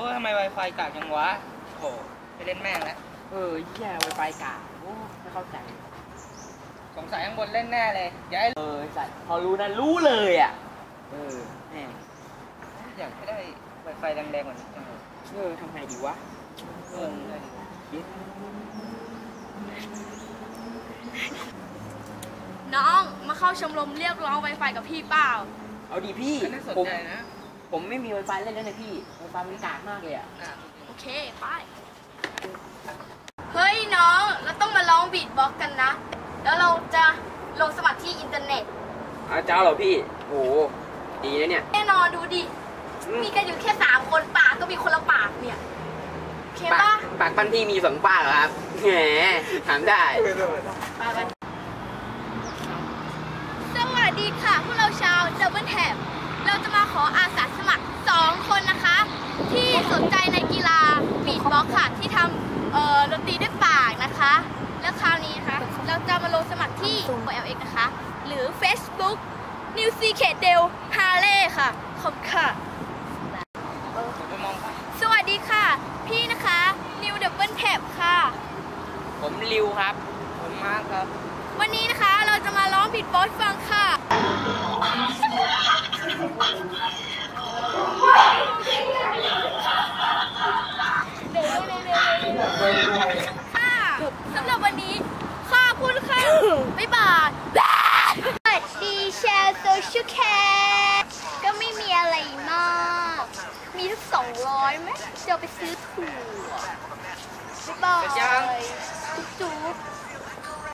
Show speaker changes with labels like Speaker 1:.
Speaker 1: ทำไม Wi-Fi กากจังวะโหไปเล่นแม่งแล้ว
Speaker 2: แย่ Wi-Fi กากโอ้ไม่เข้าใจ
Speaker 1: สงสัยข้างบนเล่นแน่เลยอย่าให้
Speaker 2: สัตว์พอรู้นะรู้เลยอ่ะแม่
Speaker 1: อยากให้ได้ Wi-Fi แรงๆกว่านี้จังเลย
Speaker 2: ทำไงดีวะ
Speaker 3: น้องมาเข้าชมรมเรียกร้อง Wi-Fi กับพี่เปล่า
Speaker 2: เอาดีพี่ผมไม่มี Wi-Fi เล่นแล้วนะพี่ Wi-Fi มันกากมากเลยอ่ะ
Speaker 3: โอเคไปเฮ้ยน้องเราต้องมาร้องบีทบ็อกซ์กันนะแล้วเราจะลงสมัครที่อินเทอร์เน็ต
Speaker 2: เจ้าเหรอพี่โอ้ดีนะเนี่ย
Speaker 3: แน่นอนดูดิมีกันอยู่แค่3 คนปากก็มีคนละปากเนี่ยโอเคปะ
Speaker 2: ปากปั้นพี่มี2 ปากเหรอครับแหมถามได้
Speaker 3: สวัสดีค่ะพวกเราชาวดับเบิลแท็บเราจะมาขออาสาสมัคร2 คนนะคะที่สนใจในกีฬาบีทบ็อกซ์ค่ะที่ทำดนตรีด้วยปากนะคะแล้วคราวนี้นะคะเราจะมาลงสมัครที่ OLX นะคะหรือ Facebook New C K Del Harley ค่ะขอบคุณค่ะสวัสดีค่ะพี่นะคะ New Double Tap ค่ะ
Speaker 2: ผมริวครับ
Speaker 1: ผมมาร์คครับ
Speaker 3: วันนี้นะคะเราจะมาร้องบีทบ็อกซ์ฟังค่ะสำหรับวันนี้ขอบคุณค่ะบ๊ายบายสวัสดีแชร์โซเชียลแคร์ก็ไม่มีอะไรมากมีสัก200ไหมจะไปซื้อถั่วบ๊ายบาย